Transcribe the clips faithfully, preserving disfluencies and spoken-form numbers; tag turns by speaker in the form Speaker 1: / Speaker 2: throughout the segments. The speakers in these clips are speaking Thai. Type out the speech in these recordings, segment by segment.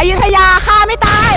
Speaker 1: ยุธยาฆ่าไม่ตาย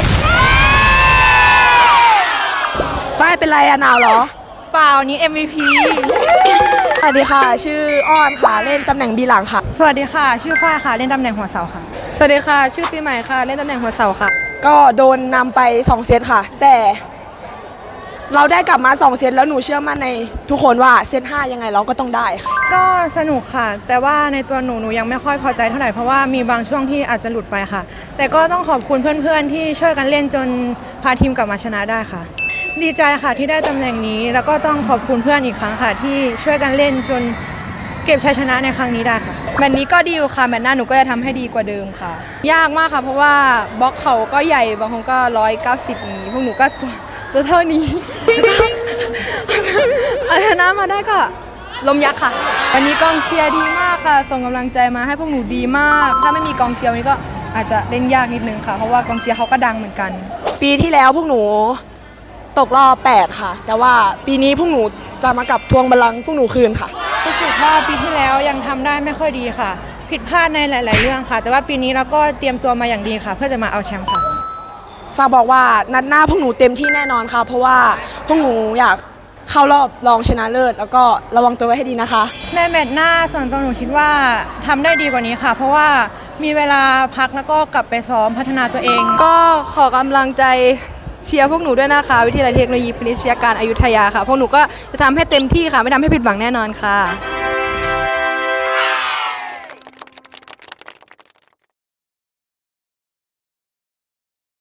Speaker 1: ฝ้ายเป็นไรอะหนาวเหรอ
Speaker 2: เปล่านี้ เอ็ม วี พี
Speaker 1: สวัสดีค่ะชื่ออ้อนค่ะเล่นตำแหน่งบีหลังค่ะ
Speaker 2: สวัสดีค่ะชื่อฝ้ายค่ะเล่นตำแหน่งหัวเสาค่ะ
Speaker 3: สวัสดีค่ะชื่อปีใหม่ค่ะเล่นตำแหน่งหัวเสาค่ะ
Speaker 1: ก็โดนนำไปสองเซตค่ะแต่เราได้กลับมาสองเซตแล้วหนูเชื่อมั่นในทุกคนว่าเซตห้ายังไงเราก็ต้องได้ค่ะ
Speaker 2: ก็สนุกค่ะแต่ว่าในตัวหนูหนูยังไม่ค่อยพอใจเท่าไหร่เพราะว่ามีบางช่วงที่อาจจะหลุดไปค่ะแต่ก็ต้องขอบคุณเพื่อนๆที่ช่วยกันเล่นจนพาทีมกลับมาชนะได้ค่ะดีใจค่ะที่ได้ตำแหน่งนี้แล้วก็ต้องขอบคุณเพื่อนอีกครั้งค่ะที่ช่วยกันเล่นจนเก็บชัยชนะในครั้งนี้ได้ค่ะ
Speaker 3: แมตช์นี้ก็ดีอยู่ค่ะแมตช์หน้าหนูก็จะทำให้ดีกว่าเดิมค่ะยากมากค่ะเพราะว่าบล็อกเขาก็ใหญ่บางคนก็ร้อยเก้าสิบนี้พวกหนูก็ตัวตัวเท่านี้เอาชนะมาได้ก็ลมยักษ์ค่ะวันนี้กองเชียร์ดีมากค่ะส่งกำลังใจมาให้พวกหนูดีมากถ้าไม่มีกองเชียร์วันนี้ก็อาจจะเล่นยากนิดนึงค่ะเพราะว่ากองเชียร์เขาก็ดังเหมือนกัน
Speaker 1: ปีที่แล้วพวกหนูตกรอบแปดค่ะแต่ว่าปีนี้พวกหนูจะมากับทวงบัลลังก์พวกหนูคืนค่ะ
Speaker 2: รู้สึกว่าปีที่แล้วยังทำได้ไม่ค่อยดีค่ะผิดพลาดในหลายๆเรื่องค่ะแต่ว่าปีนี้เราก็เตรียมตัวมาอย่างดีค่ะเพื่อจะมาเอาแชมป์ค่ะ
Speaker 1: ฝากบอกว่านัดหน้าพวกหนูเต็มที่แน่นอนค่ะเพราะว่าพวกหนูอยากเข้ารอบรองชนะเลิศแล้วก็ระวังตัวไว้ให้ดีนะคะ
Speaker 2: ในแมตช์หน้าส่วนตัวหนูคิดว่าทำได้ดีกว่านี้ค่ะเพราะว่ามีเวลาพักแล้วก็กลับไปซ้อมพัฒนาตัวเอง
Speaker 3: ก็ขอกำลังใจเชียร์พวกหนูด้วยนะคะวิทยาลัยเทคโนโลยีพนิชยการอยุธยาค่ะพวกหนูก็จะทำให้เต็มที่ค่ะไม่ทำให้ผิดหวังแน่นอนค่ะ